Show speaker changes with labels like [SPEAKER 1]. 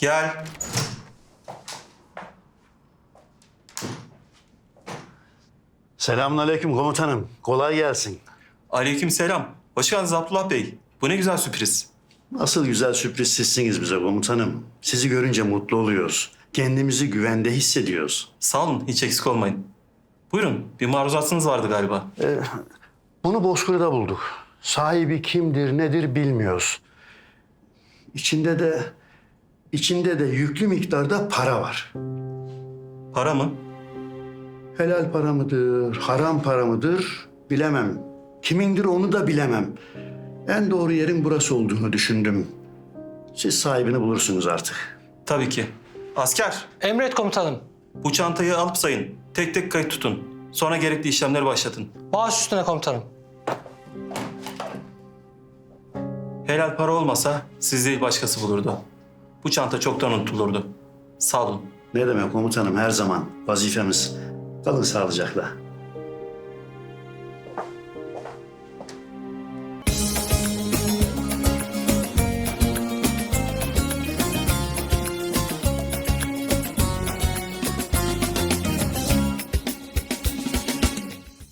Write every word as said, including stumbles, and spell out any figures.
[SPEAKER 1] Gel.
[SPEAKER 2] Selamünaleyküm komutanım. Kolay gelsin.
[SPEAKER 1] Aleykümselam. Hoş geldiniz Abdullah Bey. Bu ne güzel sürpriz.
[SPEAKER 2] Nasıl güzel sürpriz sizsiniz bize komutanım. Sizi görünce mutlu oluyoruz. Kendimizi güvende hissediyoruz.
[SPEAKER 1] Sağ olun, hiç eksik olmayın. Buyurun, bir maruzatınız vardı galiba.
[SPEAKER 2] Bunu Bozkır'da bulduk. Sahibi kimdir, nedir bilmiyoruz. İçinde de içinde de yüklü miktarda para var.
[SPEAKER 1] Para mı?
[SPEAKER 2] Helal para mıdır, haram para mıdır bilemem. Kimindir onu da bilemem. En doğru yerin burası olduğunu düşündüm. Siz sahibini bulursunuz artık.
[SPEAKER 1] Tabii ki. Asker,
[SPEAKER 3] Emret komutanım.
[SPEAKER 1] bu çantayı alıp sayın. Tek tek kayıt tutun. Sonra gerekli işlemleri başlatın.
[SPEAKER 3] Baş üstüne komutanım.
[SPEAKER 1] Helal para olmasa siz değil başkası bulurdu. Bu çanta çoktan unutulurdu. Sağ olun.
[SPEAKER 2] Ne demek komutanım, her zaman vazifemiz. Kalın sağlıcakla.